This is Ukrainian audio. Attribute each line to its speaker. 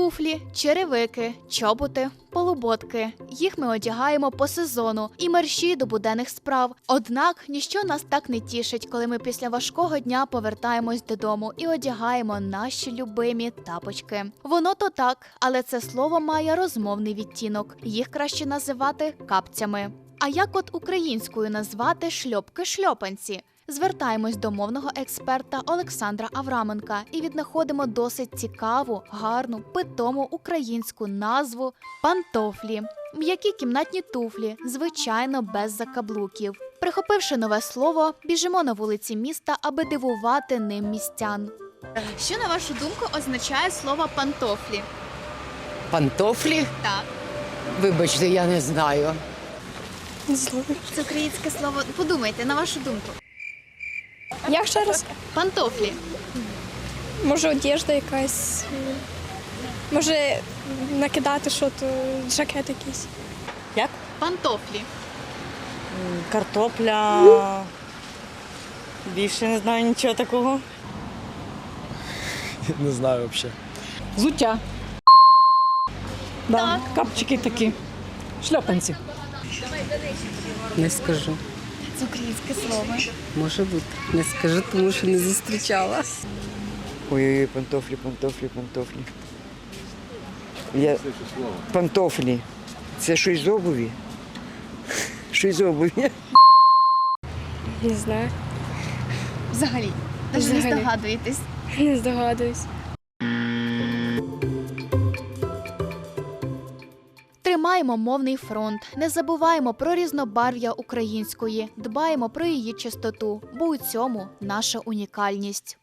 Speaker 1: Туфлі, черевики, чоботи, полуботки. Їх ми одягаємо по сезону і мерщій до буденних справ. Однак ніщо нас так не тішить, коли ми після важкого дня повертаємось додому і одягаємо наші любимі тапочки. Воно то так, але це слово має розмовний відтінок. Їх краще називати капцями. А як от українською назвати шльопки-шльопанці? Звертаємось до мовного експерта Олександра Авраменка і віднаходимо досить цікаву, гарну, питому українську назву пантофлі. М'які кімнатні туфлі, звичайно, без закаблуків. Прихопивши нове слово, біжимо на вулиці міста, аби дивувати ним містян. Що, на вашу думку, означає слово пантофлі?
Speaker 2: Пантофлі?
Speaker 1: Так.
Speaker 2: Вибачте, я не знаю.
Speaker 1: Це українське слово. Подумайте, на вашу думку.
Speaker 3: Як ще раз?
Speaker 1: Пантофлі.
Speaker 3: Може, одежда якась. Може, накидати щось, жакет якийсь.
Speaker 4: Як?
Speaker 1: Пантофлі.
Speaker 4: Картопля. Більше не знаю нічого такого.
Speaker 5: Не знаю взагалі.
Speaker 6: Взуття.
Speaker 1: Так.
Speaker 6: Капчики такі. Шльопанці.
Speaker 7: Не скажу.
Speaker 1: Це українське слово.
Speaker 7: Може бути. Не скажу, тому що не зустрічала.
Speaker 8: Ой-ой-ой, пантофлі. Пантофлі. Це щось з обуві? Щось з обуві?
Speaker 3: Не знаю.
Speaker 1: Взагалі. Навіть не
Speaker 3: Взагалі.
Speaker 1: здогадуєтесь.
Speaker 3: Не здогадуюсь.
Speaker 1: Тримаємо мовний фронт, не забуваємо про різнобарв'я української, дбаємо про її чистоту, бо у цьому наша унікальність.